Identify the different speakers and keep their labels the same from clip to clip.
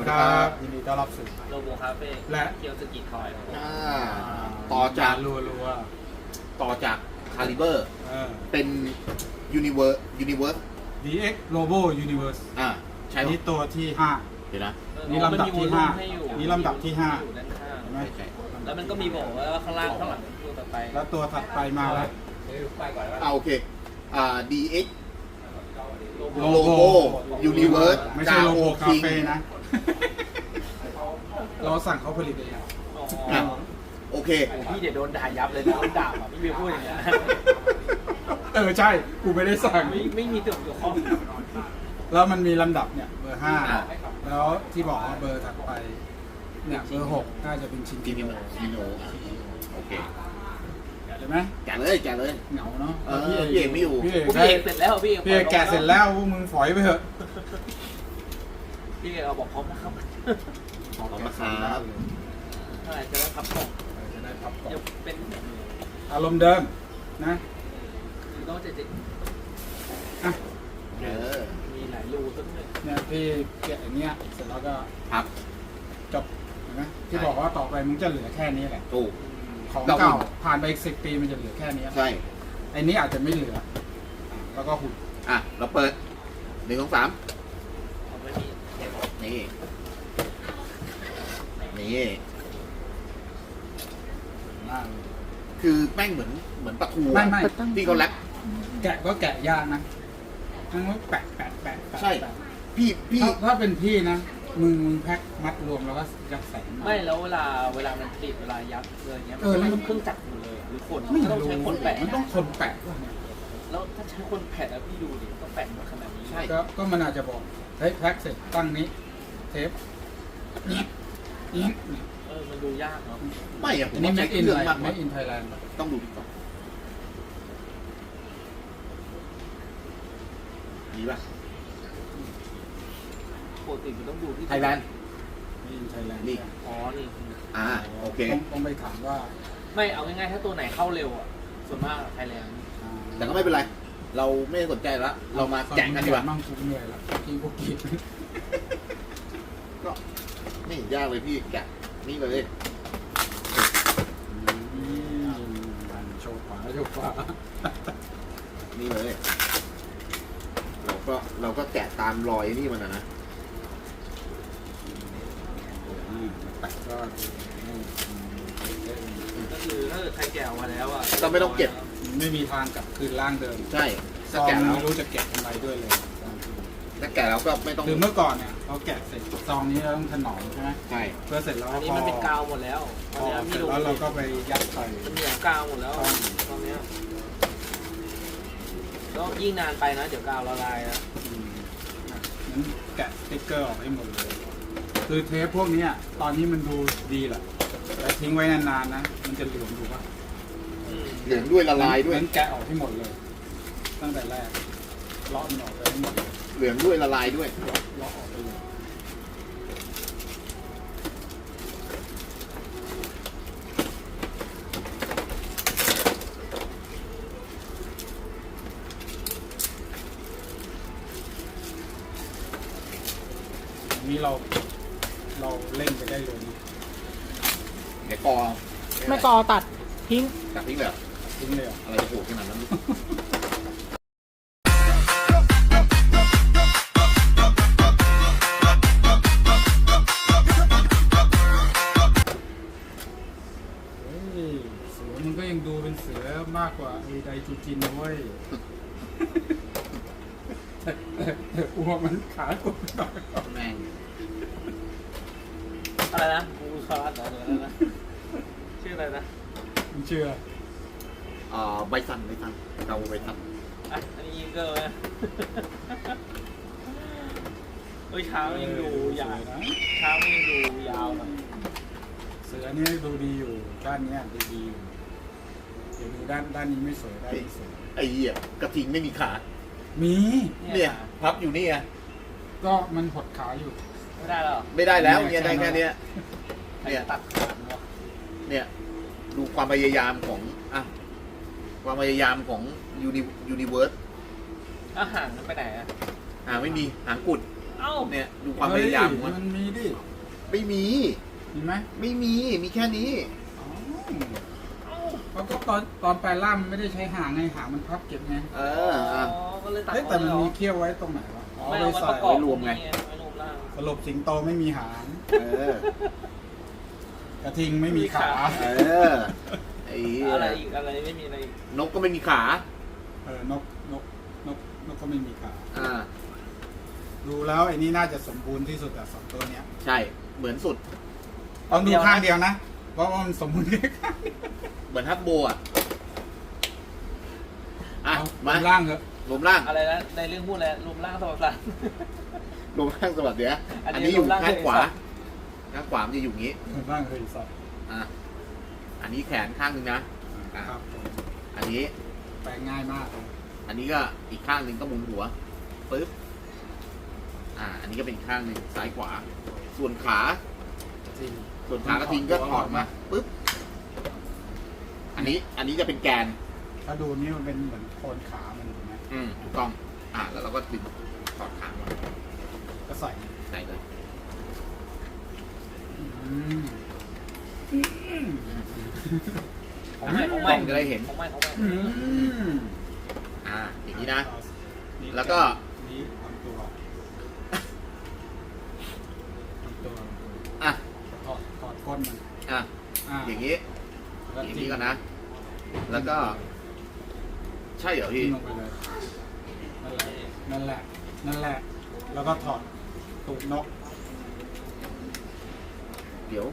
Speaker 1: ครับยินดีต้อนรับสู่
Speaker 2: โลโบคาเฟ่
Speaker 1: และ
Speaker 2: เคียวสกิทอย
Speaker 1: ต่อจาก
Speaker 3: ต่อจากคาลิเบอร์ เป็นยูนิเวิร์ส
Speaker 1: DX Robo Universe
Speaker 3: ใช่
Speaker 1: นี่ตัวที่5
Speaker 3: เดี๋ยวนะ
Speaker 1: นี่ลำดับที่5นี่ลำดับที่5
Speaker 2: อยู่ด้านข้าง
Speaker 1: เห็นไหม
Speaker 2: แล้วมันก็มีบอกว่าข้างล่างข้างหลังตัวต่อไป
Speaker 1: แล้วตัวถัดไปมาแล้ว
Speaker 3: โอเคDX
Speaker 1: โล
Speaker 3: Robo Universe
Speaker 1: ไม่ใช่โลโบคาเฟ่นะ เราสั่งเขาผลิตเอง
Speaker 3: โอเค
Speaker 2: พี่เดี๋ยวโดนด่ายับเลยนะโดนด่าแบบพี่เบียร์พูดอย่างเงี้ย
Speaker 1: ใช่กูไม่ได้สั่ง
Speaker 2: ไม่มีตัวเกี่ยวข้อง
Speaker 1: แล้วมันมีลำดับเนี่ยเบอร์5แล้วที่บอกว่าเบอร์ถัดไปเนี่ยเบอร์6น่าจะเป็นชิน
Speaker 3: จิ
Speaker 1: จิ
Speaker 3: มิ
Speaker 1: โน
Speaker 3: โนโอเค
Speaker 1: แกะเลยไหม
Speaker 3: แกะเลย
Speaker 1: เหงาเนาะ
Speaker 3: พี่เอกไม่อยู่
Speaker 1: พี่เอก
Speaker 2: พี่เอกเสร็จแล้วพี่
Speaker 1: พี่เอกแกะเสร็จแล้วพวกมึงฝอยไปเถอะ
Speaker 2: พี่เอกเอาบอกพร้อมนะครับ
Speaker 3: ขอบคุณครับ
Speaker 2: ใช่จะได้พับกล่อง
Speaker 1: จะได้พับก่อน
Speaker 2: จะเป็น
Speaker 1: อารมณ์เดิมนะ
Speaker 2: ต้องจะ มีหลายรูต้นเลย
Speaker 1: เนี่ยพี่แกะอย่างเนี้ยเสร็จแล้วก็
Speaker 3: ครับ
Speaker 1: จบเห็นไหมที่บอกว่าต่อไปมึงจะเหลือแค่นี้แหละ
Speaker 3: ถูก
Speaker 1: ของเก่าผ่านไปอีก10 ปีมันจะเหลือแค่นี้
Speaker 3: ใช่
Speaker 1: ไอ้นี้อาจจะไม่เหลือแล้วก็หุ่น
Speaker 3: เราเปิด1 2 3
Speaker 2: เอาไม่มีเทป
Speaker 3: นี่
Speaker 1: มากเลย
Speaker 3: คือแม่งเหมือนปลาทู
Speaker 1: ไม่
Speaker 3: ที่เขาแรป
Speaker 1: แกะก็แกะยากนะทั้งว่าแปะ
Speaker 3: ใช่พี่
Speaker 1: ถ้าเป็นพี่นะมึงแพ็คมัดรวมแล้วก็ยัดใส่
Speaker 2: ไม่แล้วเวลามันติดเวลายัดเลยเงี้ยมันเครื่องจักรหมดเลยหรือคน
Speaker 1: ไม่
Speaker 2: ต้อง
Speaker 1: รู้
Speaker 2: ใช้คนแปะ
Speaker 1: มันต้องคนแปะด้วยเนี่ย
Speaker 2: แล้วถ้าใช้คนแปะแล้วพี่ดูดิต้องแปะหมดขนาดนี้
Speaker 3: ใช่
Speaker 1: ก็มันอาจจะบอกเฮ้ยแพ็คเสร็จตั้งนี้เทปนี่
Speaker 2: มันดูยากเนาะ
Speaker 3: ไม่อะผ
Speaker 1: อั
Speaker 3: ม
Speaker 1: นนี้
Speaker 3: ว่า
Speaker 1: ไม่
Speaker 3: ใช้
Speaker 1: อิน
Speaker 3: เครื่
Speaker 1: อะ
Speaker 3: อง
Speaker 1: ไร
Speaker 3: มากก
Speaker 1: ไม่
Speaker 3: ว่า
Speaker 1: อินไทยแลนด์
Speaker 3: ต้องดูดีกว่าดีป่ะ
Speaker 2: ปกติมันต้องดูที่
Speaker 3: ไทยแลนด์
Speaker 1: ไม่อินไทยแลนด์
Speaker 3: นี่
Speaker 2: อ๋อนี่
Speaker 3: โอเค
Speaker 1: ต้องไปถามว่า
Speaker 2: ไม่เอาง่ายๆถ้าตัวไหนเข้าเร็วอ่ะส่วนมากไทยแลนด์
Speaker 3: แต่ก็ไม่เป็นไร เราไม่สนใจแล้วเรามาแกะกันดีกว่า
Speaker 1: มั่งกูเหนื่อยแล้วกินพวกกิน
Speaker 3: ก็ไม่เห็นยากเลยพี่แกะนี่เลย
Speaker 1: โชว์ขวาโชว์ขวา
Speaker 3: นี่เลย เราก็แกะตามรอยนี่มันนะ
Speaker 1: แต่ก็
Speaker 2: ก็คือถ้าเกิดใครแกะออกมาแล้วอ่ะ
Speaker 3: ก็ไม่ต้องเก็บ
Speaker 1: ไม่มีทางกลับคืนร่างเดิม
Speaker 3: ใช่
Speaker 1: ซ
Speaker 3: ถ้า
Speaker 1: อง
Speaker 3: แกะแล้ว
Speaker 1: ไม่รู้จะแกะทำไมด้วยเลย
Speaker 3: ถ้าแกะแล้วก็ไม่ต้อง
Speaker 1: คือเมื่อก่อนเนี่ยเราแกะเสร็จซองนี้เราต้องถนอมใช่ไหม
Speaker 3: ใช่
Speaker 1: เพื่อเสร็จแล้ว
Speaker 2: อันนี้มันเป็นกาวหมดแล้ว
Speaker 1: พ
Speaker 2: ตอน
Speaker 1: อ
Speaker 2: นี้
Speaker 1: เสร็
Speaker 2: พี่
Speaker 1: จ
Speaker 2: ดู
Speaker 1: แล้วเราก็ไปยัดใส่
Speaker 2: มันเหนียวกาวหมดแล้วตอนเนี้ยก็ยิ่งนานไปนะเดี๋ยวกาวละลายนะ
Speaker 1: นั้นแกะสติ๊กเกอร์ออกให้หมดเลย คือเทปพวกนี้ตอนนี้มันดูดีแหละแต่ทิ้งไว้นานๆนะมันจะเหลืองถูกปะ
Speaker 3: เหลืองด้วยละลายด้วย
Speaker 1: งั้นแกะออกให้หมดเลย ตั้งแต่แรกเลาะมันออกไปให้หมดเลย
Speaker 3: เหลืองด้วยละลายด้วย
Speaker 1: เลาะออกไปเลยอันนี้เราเล่นไปได้เลยนะ
Speaker 3: เดี๋ยวกอ
Speaker 4: ไม่กอตัดทิ้ง
Speaker 3: จากทิ้งเลยเหรอ
Speaker 1: ทิ้งเลยเหรอ
Speaker 3: อะไรจะถูกขนาดนั้น
Speaker 1: เฮ้ยเสือมันก็ยังดูเป็นเสือมากกว่าไอ้ไดจูจินนะเว้ย แต่อ้วกมันขากดหน่อย
Speaker 3: แม่ง
Speaker 2: อะไรนะบูคาร์ดอะไรนะชื่ออะไรนะ
Speaker 1: มึงเชื่อ
Speaker 3: ใบสั่นเราใบสั่น
Speaker 2: อันนี้ยิงเกอร์นะเช้ายังดูยาว
Speaker 1: นะ
Speaker 2: เช้ายังดูยาวหน่อย
Speaker 1: เสือเนี่ยดูดีอยู่ด้านเนี้ยดูดีอยู่เดี๋ยวดูด้านนี้ไม่สวยด้านนี้สวย
Speaker 3: ไอ้เหี้ยกระทิงไม่มีขา
Speaker 1: มี
Speaker 3: เนี่ยพับอยู่นี่ไง
Speaker 1: ก็มันหดขาอยู่
Speaker 2: ไม่ได้หรอ
Speaker 3: ไม่ได้แล้วเนี่ยได้แค่เนี้ย
Speaker 2: ใครจะตัดขาดวะ
Speaker 3: เนี่ยดูความพยายามของความพยายามของยูนิเวิร์ส
Speaker 2: อาหารมันไปไหนอ่ะ
Speaker 3: ไม่มีหางกุด
Speaker 2: อเอ้า
Speaker 3: เนี่ยดูความพยายามของ
Speaker 1: เฮ้
Speaker 3: มัน
Speaker 1: มันมีดิ
Speaker 3: ไม่มี
Speaker 1: มีไหม
Speaker 3: ไม่มีมีแค่นี้
Speaker 1: อ๋อเพราะก็ตอนแปลล่ามนไม่ได้ใช้หางไงหางมันพับเก็บไง
Speaker 3: เอออ่ะ
Speaker 2: ก็เลยตัด
Speaker 1: เฮ้ยแต่มันมีเขี้ยวไว้ตรงไหนวะอ๋อ
Speaker 2: ไม่
Speaker 1: ไป
Speaker 2: เอาไว้
Speaker 1: ใส่
Speaker 2: ประกอบ
Speaker 3: ไว้รวมไง
Speaker 2: ไว้รวมล่าง
Speaker 1: สรุปสิงโตไม่มีหาง
Speaker 3: เออก
Speaker 1: ระทิงไม่มีขา
Speaker 3: เออไอ้
Speaker 2: อะไรอีกอะไรไม่มีอะไรอีก
Speaker 3: นกก็ไม่มีขา
Speaker 1: นกก็ไม่มีขา
Speaker 3: อ่า
Speaker 1: ดูแล้วไอ้นี่น่าจะสมบูรณ์ที่สุดอะสองตัวเนี้ย
Speaker 3: ใช่เหมือนสุด
Speaker 1: ต้องดูข้างเดียวนะเพราะว่ามันสมบูรณ์แค่ข้างเดียว
Speaker 3: เหมือนฮัตโบอ่ะอ่ะ
Speaker 1: เอา
Speaker 3: มา
Speaker 1: ล่างเถอะ
Speaker 3: รวมร่าง
Speaker 2: อะไรนะในเรื่องพูดแล้วรวมล่างสมบัติ
Speaker 3: รวมร่างสวัสดีนะ
Speaker 2: อันนี้
Speaker 3: อันนี้อยู่
Speaker 2: รวมร่าง
Speaker 3: ข้างขวา
Speaker 2: เลยสัตว์
Speaker 3: ข้างขวามันจะอยู่อย่างนี้
Speaker 1: ล่างเลยสัตว์
Speaker 3: อ่ะอันนี้แขนข้างหนึงนะอ่ะ
Speaker 1: ครับผม
Speaker 3: อันนี้
Speaker 1: แปลงง่ายมากเลย
Speaker 3: อันนี้ก็อีกข้างหนึ่งก็หมุนหัวปึ๊บอันนี้ก็เป็นอีกข้างหนึ่งซ้ายขวา ส่วนขา
Speaker 1: จริง
Speaker 3: ส่วนขากระทิงก็ถอดมาปึ๊บอันนี้จะเป็นแกน
Speaker 1: ถ้าดูนี่มันเป็นเหมือนโคนขามันถูกไหม
Speaker 3: ถูกต้องแล้วเราก็ดึงถอดขามา
Speaker 1: ก็ใส่
Speaker 3: ใส่เลย
Speaker 1: อืม
Speaker 2: ของใหม่ของ
Speaker 3: ก
Speaker 2: ให
Speaker 3: ล้
Speaker 2: ม่
Speaker 3: องจะได้เห็น
Speaker 2: ของใหม่ของใหม่
Speaker 1: อืม
Speaker 3: อย่างนี้นะ แล้วก็
Speaker 1: นี่ทำตัวทำตัว
Speaker 3: อ่ะ
Speaker 1: ถอดก้นมัน
Speaker 3: อ่ะ
Speaker 1: อ่า
Speaker 3: อย่างนี้
Speaker 1: แล้ว
Speaker 3: อย่าง
Speaker 1: จิ้
Speaker 3: นี้ก่อนนะ แล้วก็ ใช่เหรอ
Speaker 1: จิ้
Speaker 3: พี่
Speaker 1: มลงไปเลยนั่นแหละ แล้วก็ถอดตูดนก
Speaker 3: เดี๋ยว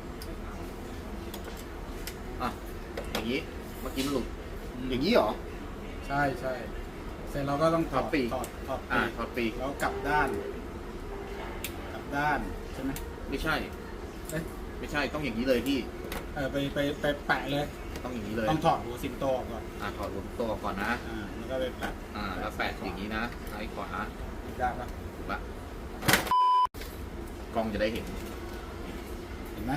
Speaker 3: อย่างนี้เมื่อกี้มันหลุดอย่างนี้เหรอ
Speaker 1: ใช่เสร็จเราก็ต้องถอด
Speaker 3: ถอดปีก
Speaker 1: ถอด
Speaker 3: ถอดปีก
Speaker 1: แล้วกลับด้านใช่ไหม
Speaker 3: ไม่ใช่
Speaker 1: เอ๊ะ
Speaker 3: ไม่ใช่ต้องอย่างนี้เลยพี่
Speaker 1: ไปแปะเลย
Speaker 3: ต้องอย่างนี้เลย
Speaker 1: ต้องถอดหัวสิงโตออกก่อน
Speaker 3: ถอดหัวตัวก่อนนะ
Speaker 1: แล้วก็ไปแปะ
Speaker 3: แล้วแปะอย่างนี้นะซ้ายขวา
Speaker 1: ได้ปะ
Speaker 3: ถูกปะกล้องจะได้เห็น
Speaker 1: เห็นไหม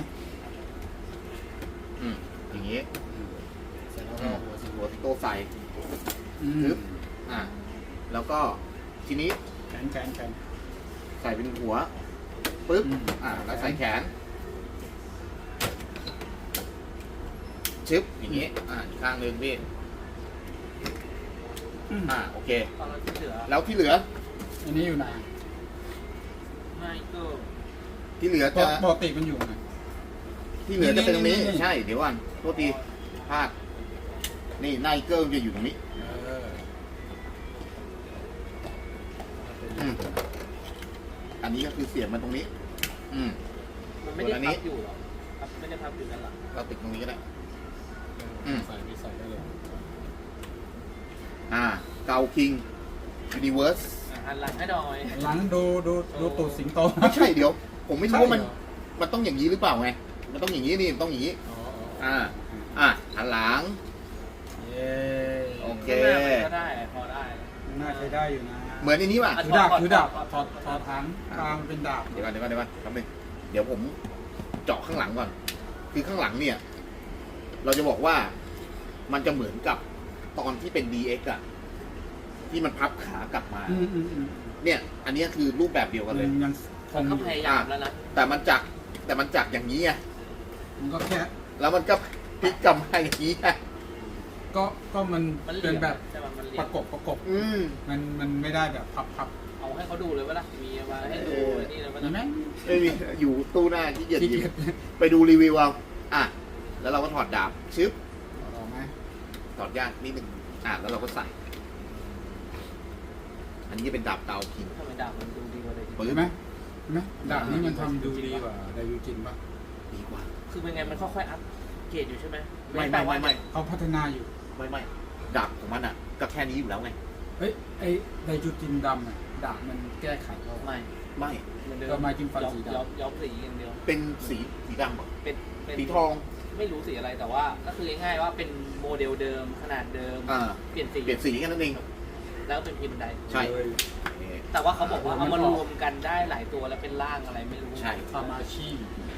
Speaker 3: อย่างนี้
Speaker 1: เสร็จแล้วก็หัวสิงโต
Speaker 3: หัวโตใส่
Speaker 1: อื
Speaker 3: ปึ๊
Speaker 1: ม
Speaker 3: บ แล้วก็ทีนี้
Speaker 1: แขน
Speaker 3: ใส่เป็นหัวปึ๊บ
Speaker 1: อืม
Speaker 3: แล้วใส่แขนชึบอย่างนี้อีกข้างหนึ่งพี่โอเค
Speaker 2: ตอนเราที่เหลือ
Speaker 3: แล้วที่เหลือ
Speaker 1: อันนี้อยู่ไหน
Speaker 2: ไม่ก็
Speaker 3: ที่เหลือจะ
Speaker 1: ปกติมันอยู่ไหน
Speaker 3: ที่เหลือจะเป็นตรงนี้
Speaker 1: นี่
Speaker 3: ใช่เดี๋ยวก่อนโทษทีพลาดนี่ไนเกิลจะอยู่ตรงนี้ อันนี้ก็คือเสียบมันตรงนี้
Speaker 2: มันไม่ได้พับอยู่หรอครับไม่ได้พับอยู่ด้านหลัง
Speaker 3: เราติดตรงนี้ก็ได้
Speaker 1: ใส่ได้เลย
Speaker 3: เกาคิงยูนิเวิร์ส
Speaker 2: หันหลังให้หน่อย
Speaker 1: หลังดูตูดสิงโต
Speaker 3: ไม่ใช่เดี๋ยว ผมไม่รู้ว่ามัน
Speaker 1: ใช่เหรอ
Speaker 3: มันต้องอย่างนี้หรือเปล่าไง มันต้องอย่างนี้นี่มันต้องอย่างนี้ หันหลัง
Speaker 1: เย้
Speaker 3: โอเค
Speaker 2: ก็ได้พอได้
Speaker 1: น่าใช้ได้อยู่นะ
Speaker 3: เหมือนในนี้ป่ะ
Speaker 1: ถือดาบถอดหางตามเป็นดาบ
Speaker 3: เดี๋ยวก่อนครับนึงเดี๋ยวผมเจาะข้างหลังก่อน คือข้างหลังเนี่ย เราจะบอกว่ามันจะเหมือนกับตอนที่เป็น DX อะที่มันพับขากลับมา เนี่ย อันนี้คือรูปแบบเดียวกันเลย
Speaker 1: ยังคง
Speaker 2: เขาพยายามแล้วนะ
Speaker 3: แต่มันจักอย่างนี้ไง
Speaker 1: มันก็แค่
Speaker 3: แล้วมันก็พลิกกลับมาอย่างนี้ไง
Speaker 1: ก็มัน
Speaker 2: มันเหลี่
Speaker 1: เป็
Speaker 2: ย
Speaker 1: น
Speaker 2: ม
Speaker 1: แบบ
Speaker 2: ใช่ไหมมันเหลี่
Speaker 1: ป
Speaker 2: ยม
Speaker 1: ระกบ มันไม่ได้แบบพับ
Speaker 2: เอาให้เขาดูเลยว่าล่ะมีมาให้ดูนี่เลยว่า
Speaker 1: มีไหม
Speaker 3: ไม่มีอยู่ตู้หน้าที่เกียจ
Speaker 1: ขี้
Speaker 3: หยิ
Speaker 1: เกีย
Speaker 3: บ
Speaker 1: จ
Speaker 3: ไปดูรีวิวเอาแล้วเราก็ถอดดาบชึบ
Speaker 1: ออกไหม
Speaker 3: ถอดยากนิดนึงแล้วเราก็ใส่ อันนี้จะเป็นดาบเตาคิง
Speaker 2: ทำไมดาบมันดูดีกว่าเลย
Speaker 3: ปื
Speaker 1: เห็
Speaker 3: น
Speaker 1: นไหมดาบนี้มันทำดูดีกว่าไดยูจินปะ
Speaker 3: ดีกว่า
Speaker 2: คือเป็นไงมันค่อยๆอัพเกรดอยู่ใช่ไหม
Speaker 3: ไม่
Speaker 1: เขาพัฒนาอยู่
Speaker 3: ไม่ดาบของมันก็แค่นี้อยู่แล้วไง
Speaker 1: เฮ้ยไอไดยูจินดำดาบมันแก้ไขเรา
Speaker 2: ไม่
Speaker 3: ไม่
Speaker 2: เหมือนเดิม
Speaker 1: ก็มาจิ้มฟันสีดำ
Speaker 2: ย้อมสีอย่างเดียว
Speaker 3: เป็นสีดำเหรอ
Speaker 2: เป็น
Speaker 3: สีทอง
Speaker 2: ไม่รู้สีอะไรแต่ว่าก็คือง่ายๆว่าเป็นโมเดลเดิมขนาดเดิมเปลี่ยนสี
Speaker 3: เปลี่ยนสีแค่นั้นเอง
Speaker 2: แล้วเป็นพิมพ์ใด
Speaker 3: ใช่
Speaker 1: เลย
Speaker 2: แต่ว่าเขาบอกว่าเอามารวมกันได้หลายตัวแล้วเป็นร่างอะไรไม่รู้
Speaker 3: ใช่
Speaker 1: ทามาชิ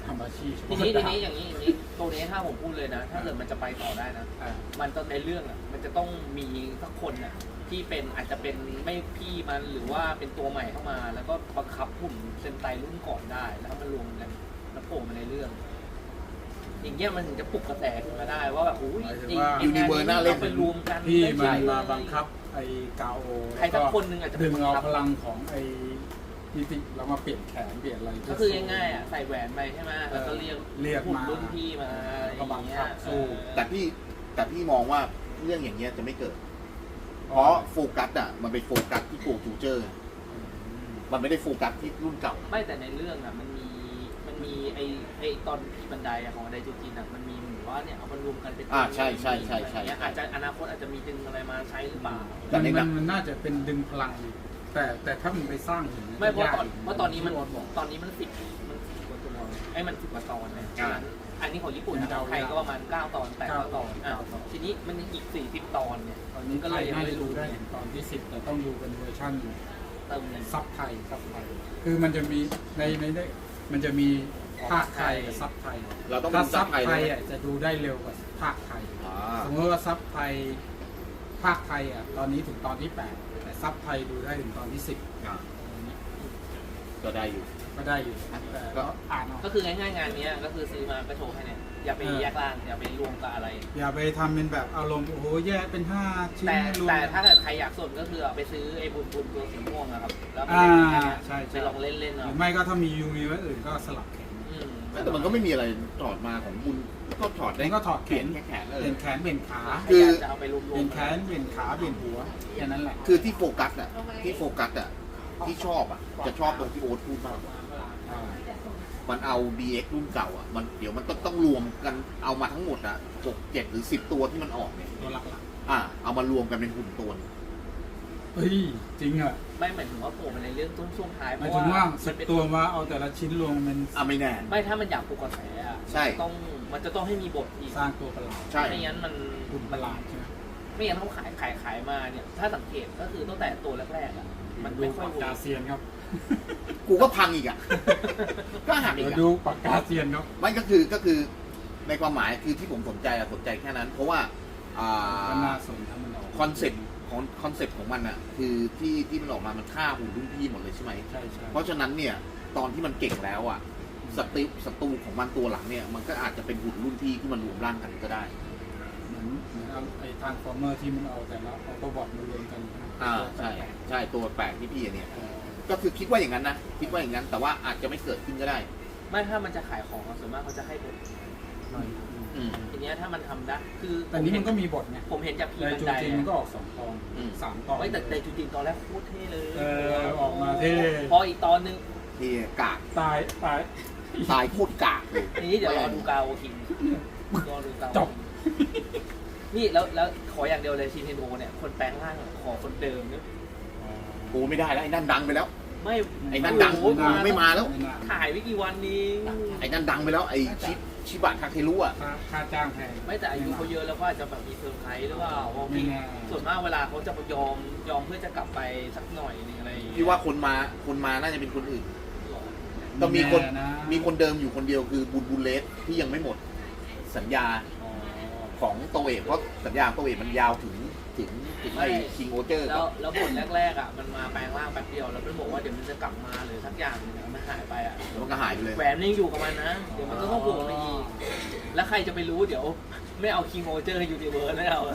Speaker 1: ทำอาชีพ
Speaker 2: ทีนี้อย่างนี้ตัวนี้ถ้าผมพูดเลยนะ ถ้าเกิดมันจะไปต่อได้นะ มันต้องในเรื่องอ่ะมันจะต้องมีสักคนอ่ะที่เป็นอาจจะเป็นไม่พี่มันหรือว่าเป็นตัวใหม่เข้ามา แล้วก็บังคับหุ่นเซนไตรุ่นก่อนได้ แล้วมันรวมกันแล้วโผล่มาในเรื่อง อย่างเงี้ยมันถึงจะปลุกกระแสขึ้นมาได้ว่าแบบโอ้ย
Speaker 3: ยูนิเวอร์น่าเล่น
Speaker 2: ไปรวมกัน
Speaker 1: ที่
Speaker 2: ได้
Speaker 1: มัน
Speaker 2: ใหญ่
Speaker 1: มาบังคับไอ้กาโอ
Speaker 2: ใครสักคนหนึ่งอาจจะ
Speaker 1: ดึงเอา
Speaker 2: บัคับ
Speaker 1: พลังของไอ้นิติแล้วมาเปลี่ยนแขนเปลี่ยนอะไร
Speaker 2: ก็คือง่ายๆอ่ะใส่แหวนไปใช่ไหมแล้วก็เรียกหุ่น
Speaker 1: มา
Speaker 2: รุ่นพี่มาอะไรอย่างเงี้ย
Speaker 1: สู้
Speaker 3: แต่พี่มองว่าเรื่องอย่างเงี้ยจะไม่เกิด เพราะโฟกัสอ่ะมันเป็นโฟกัสที่โกจูเจอร์ มันไม่ได้โฟกัสที่รุ่นเก่า
Speaker 2: ไม่แต่ในเรื่องอ่ะมันมีไอตอนที่บันไดอะของไดจูจินอ่ะมันมีเหมือนว่าเนี่ยเอามารวมกันเป็น
Speaker 3: ใช่
Speaker 2: อาจจะอนาคตอาจจะมีดึงอะไรมาใช้หรือเปล่า
Speaker 3: แต่ในหนัง
Speaker 1: มันน่าจะเป็นดึงพลัง แต่ถ้ามันไปสร้างถึง
Speaker 2: ไม่เพราะตอนนี้มัน
Speaker 1: ที่โอ๊ตบอก
Speaker 2: ตอนนี้มัน10กว่าตัวไอ้มัน10กว่าตอนเนี่ย
Speaker 3: อ่า
Speaker 2: อันนี้ของญี่ปุ่น
Speaker 1: เป็น
Speaker 2: ข
Speaker 1: เดา
Speaker 2: องไทยก็ประมาณ9ตอน8ตอนทีนี้มันยังอีก40ตอนเนี่ย
Speaker 1: ตอนนี้
Speaker 2: ก็
Speaker 1: ก็
Speaker 2: เล
Speaker 1: เลย ย
Speaker 2: ยัง
Speaker 1: น่า
Speaker 2: ไม่
Speaker 1: จะ
Speaker 2: รู้
Speaker 1: ดูได้ถึงตอนที่ 10 แต่ต้องดูเป็นเวอร์ชั่น
Speaker 2: เติมหนึ่ง
Speaker 1: ซับไทยคือมันจะมีในมันจะมีภาคไทยกับซับไทย
Speaker 3: เราต้อง
Speaker 1: ถ้า
Speaker 3: ดู
Speaker 1: ซั
Speaker 3: ซั
Speaker 1: บบ
Speaker 3: ไทย
Speaker 1: ไท
Speaker 3: เลย ย
Speaker 1: อ่ะจะดูได้เร็วกว่าภาคไทย
Speaker 3: อ่า
Speaker 1: สมมติว่าซับไทยภาคไทยอ่ะตอนนี้ถึงตอนที่ 8 แต่ซับไทยดูได้ถึงตอนที่ 10
Speaker 3: อ่าก็ได้อยู่
Speaker 1: ก็ได้อยู่แต่ก็อ่านเอา
Speaker 2: ก็คือง่ายๆงานนี้ก็คือซื้อมาก็โชว์ให้เนี่ยอย่าไปแยกล่างอย่าไปรวมกับอะไร
Speaker 1: อย่าไปทำเป็นแบบอารมณ์โอ้โหแยกเป็น5ชิ้น
Speaker 2: แต่
Speaker 1: รวม
Speaker 2: แต่ถ้าเกิดใครอยากสนก็คือเอาไปซื้อไอ้บุญตัวสีม่วงนะครับแล้วไป
Speaker 1: อ่า
Speaker 2: เล่นแค่เนี้ย
Speaker 1: ใช่
Speaker 2: ไปลองเล่น
Speaker 1: ห
Speaker 2: เนาะ
Speaker 1: รือไม่ก็ถ้ามียูมีไว้อื่นก็สลับแขน
Speaker 3: แต่มันก็ไม่มีอะไรถอดมาของบุญก็ถอดได้
Speaker 1: มันก็ถอดแข
Speaker 3: เปลี่ย
Speaker 1: น
Speaker 3: นแค่แขน
Speaker 1: เป
Speaker 3: เล
Speaker 1: ลี่
Speaker 3: ย
Speaker 1: ยนแขนเปลี่ยนขา
Speaker 2: ใครอยากจะเอาไปรวม
Speaker 1: เปลี่ยนแขนเปลี่ยนขาเปลี่ยนหัวแค่นั้นแหละ
Speaker 3: คือที่โฟกัสอ่ะที่ชอบอ่ะจะชอบตรงที่โอ๊ตพูดมาก
Speaker 1: อ่า
Speaker 3: มันเอา DX รุ่นเก่าอ่ะมันเดี๋ยวมันต้องรวมกันเอามาทั้งหมดอ่ะ6 7 หรือ 10 ตัวที่มันออกเนี่ย
Speaker 1: ตัวหลัก
Speaker 3: เอามารวมกันเป็นหุ่นตัวนึง
Speaker 1: ๆเฮ้ยจริงอ่ะ
Speaker 2: ไม่หมายถึงว่าโผล่มาในเรื่องต้นช่วงท้าย
Speaker 1: หมายถึงว่าสิบตัวมาเอาแต่ละชิ้นรวมเป็น
Speaker 3: ไม่แน่
Speaker 2: ไม่ถ้ามันอยากปลุกกระแสอะ
Speaker 3: ใช่
Speaker 2: มันจะต้องให้มีบทอีก
Speaker 1: สร้างตัวประหลาด
Speaker 3: ใช่
Speaker 2: ไม่งั้นมัน
Speaker 1: หุ่นประหลาดใช่ไหม
Speaker 2: ไม่งั้นเขาขายมาเนี่ย ถ้าสังเกตก็คือตั้งแต่ตัวแรกๆอ่ะมัน
Speaker 1: ดู
Speaker 2: ไม่ค่อย
Speaker 1: ปาก
Speaker 2: เวิ
Speaker 1: กา
Speaker 2: ร์ก
Speaker 1: เซียนครับ
Speaker 3: กูก็พังอีกอ่ะ ก็หักอี
Speaker 1: เดี๋ย
Speaker 3: ก
Speaker 1: ว
Speaker 3: อ่ะ
Speaker 1: ดูปากกาเซียนครับ
Speaker 3: ไม่ก็คือในความหมายคือที่ผมสนใจแค่นั้น เพราะว่า
Speaker 1: ก็น่าสนถ้ามันออก
Speaker 3: คอนเซ็ปต์ของมันอ่ะคือที่มันออกมามันฆ่าหุ่นรุ่นพี่หมดเลยใช่ไหม
Speaker 1: ใช่ใช่
Speaker 3: เพราะฉะนั้นเนี่ยตอนที่มันเก่งแล้วอ่ะศัตรูของมันตัวหลังเนี่ยมันก็อาจจะเป็นหุ่นรุ่นพี่ที่มันรวมร่างกันก็ได้
Speaker 1: เหมือนไอ้ทางฟอร์เมอร์ที่มันเอาแต่ละออโตบอทมารวมกัน
Speaker 3: ใช่ตัวแปลกที่พี่เนี่ยก็คือคิดว่าอย่างนั้นนะคิดว่าอย่างนั้นแต่ว่าอาจจะไม่เกิดขึ้นก็ได้
Speaker 2: ไม่ถ้ามันจะขายของอะส่วนมากเขาจะให้บท
Speaker 3: อืม
Speaker 2: ทีเนี้ยถ้ามันทำได้คือ
Speaker 1: แต่นี้มันก็มีบทไง
Speaker 2: ผมเห็นจากพี
Speaker 1: ใน
Speaker 2: บัน
Speaker 1: จู
Speaker 2: ได
Speaker 1: จินมันก็ออก2 ตอน 3 ตอน
Speaker 2: ไม่แต่จูจินตอนแรกโคตรเท่เลย
Speaker 1: ออกมาเท่
Speaker 2: พออีกตอนนึง
Speaker 3: ที่กาก
Speaker 1: ตาย
Speaker 3: ตายโคตรกากเลย
Speaker 2: ทีนี้เดี๋ยวรอดูกาโอคิงรอดูกาโอ
Speaker 1: จบ
Speaker 2: นี่แล้วขออย่างเดียวเลยชินเทนโอเนี่ยคนแปลงร่างขอคนเดิมเนี่ย
Speaker 3: กูไม่ได้แล้วไอ้นั่นดังไปแล้ว
Speaker 2: ไม่
Speaker 3: ไอ้นั่นดัง
Speaker 2: โอ้โห
Speaker 3: ไม่มาแล้ว
Speaker 2: ถ่ายไม่กี่วันนี้
Speaker 3: ไอ้นั่นดังไปแล้วไอ้ชิบะคาเครุอ่ะ
Speaker 1: ค่าจ้างแพง
Speaker 2: ไม่แต่อายุเขาเยอะแล้วก็อาจจะแบบมีเซอร์ไพรส์หรือเปล่าเพราะ
Speaker 1: ไม่แน่
Speaker 2: ส่วนมากเวลาเขาจะยอมเพื่อจะกลับไปสักหน่อยนึงอะไรอย่างเงี้ย
Speaker 3: พี่ว่าคนมาน่าจะเป็นคนอื่นต้องมีคนเดิมอยู่คนเดียวคือบุญเลสที่ยังไม่หมดสัญญาของโตเอะเพราะสัญญาโตเอะมันยาวถึงไอ้คิงโอเจอร์
Speaker 2: แล้วบทแรกๆอ่ะมันมาแปลงร่างแป๊บเดียวแล้วมันบอกว่าเดี๋ยวมันจะกลับมาหรือสักอย่างนึงมันหายไปอ่ะ
Speaker 3: แล้วมันก็หายไปเลย
Speaker 2: แหวนยังอยู่กับมันนะเดี๋ยวมันก็ต้องโผล่มาอีกแล้วใครจะไปรู้เดี๋ยวไม่เอาคิงโอเจอร์ยูนิเวิร์สไม่เอา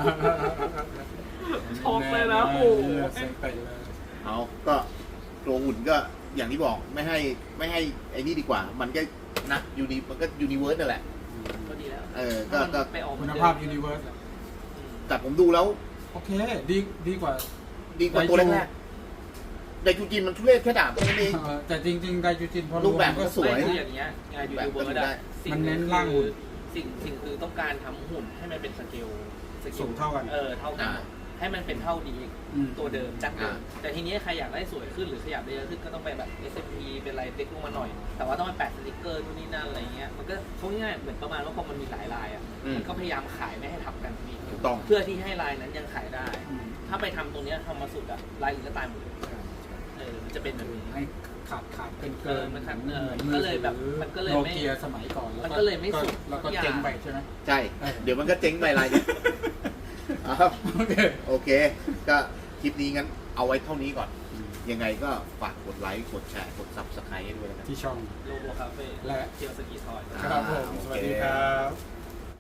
Speaker 2: ช็อกเลยนะโอ้โห
Speaker 1: เซ็งไปเลย
Speaker 3: เอาก็ตัวหุ่นก็อย่างที่บอกไม่ให้ไอ้นี่ดีกว่า มันก็นะมันก็ยูนิเวิร์สนั่นแหละ
Speaker 2: ก็ดีแล้ว
Speaker 3: ก็
Speaker 2: ไปออก
Speaker 1: คุณภาพยูนิเวิร์ส
Speaker 3: แต่ผมดูแล้ว
Speaker 1: โอเคดีกว่า
Speaker 3: ตัวแรกๆไดจูจินมันทุเรศแค่ดาบแค่นั้นเอง
Speaker 1: แต่จริงๆไดจูจินพอ
Speaker 3: รูปแบบมันก็สวย
Speaker 2: ไม่คืออย่างเงี้ยงานยูนิเวิร์สอะ
Speaker 1: มันเน้นร่างหุ่น
Speaker 2: สิ่งคือต้องการทำหุ่นให้มันเป็นสเกล
Speaker 1: สูงเท่ากัน
Speaker 2: เท่ากันให้มันเป็นเท่าดี
Speaker 1: อืม
Speaker 2: ตัวเดิมจากเดิมแต่ทีนี้ใครอยากได้สวยขึ้นหรือขยับได้เยอะขึ้นก็ต้องไปแบบ SMP เป็นอะไรเล็กลงมาหน่อย แต่ว่าต้องไปแปะสติกเกอร์นู่นนี่นั่นอะไรเงี้ยมันก็เขาง่ายๆเหมือนประมาณว่าพอมันมีหลายลายอ่ะมันก็พยายามขายไม่ให้ทับกันอีก
Speaker 3: ถูกต้อง
Speaker 2: เพื่อที่ให้ลายนั้นยังขายได้
Speaker 1: อืม
Speaker 2: ถ้าไปทำตรงเนี้ยทำมาสุดอะลายอื่นก็ตายหมดเลยมันจะเป็นแบบนี้
Speaker 1: ให้ขาดเป็นเกิ
Speaker 2: เออมันขาดก็เลยแบบมันก็เลย
Speaker 1: โน
Speaker 2: ไม่
Speaker 1: เกียสมัยก่อน
Speaker 2: มันก็เลยไม่สุด
Speaker 1: แล้วก็
Speaker 2: ทุกอย่าง
Speaker 1: เจ๊งไปใช่ไหม
Speaker 3: ใช่ เดี๋ยวมันก็เจ๊งไปรายนี้ครับ
Speaker 1: โอเค
Speaker 3: โอเค ก็คลิปนี้งั้นเอาไว้เท่านี้ก่อน ยังไงก็ฝากกดไลค์ กดแชร์ กด Subscribe ให้ด้วยนะครับ
Speaker 1: ที่ช่อง
Speaker 2: โลโบคาเฟ่
Speaker 1: และ
Speaker 2: เกียวสกีทอย
Speaker 1: ครับผม
Speaker 3: โอเค
Speaker 1: สวัสดีครับ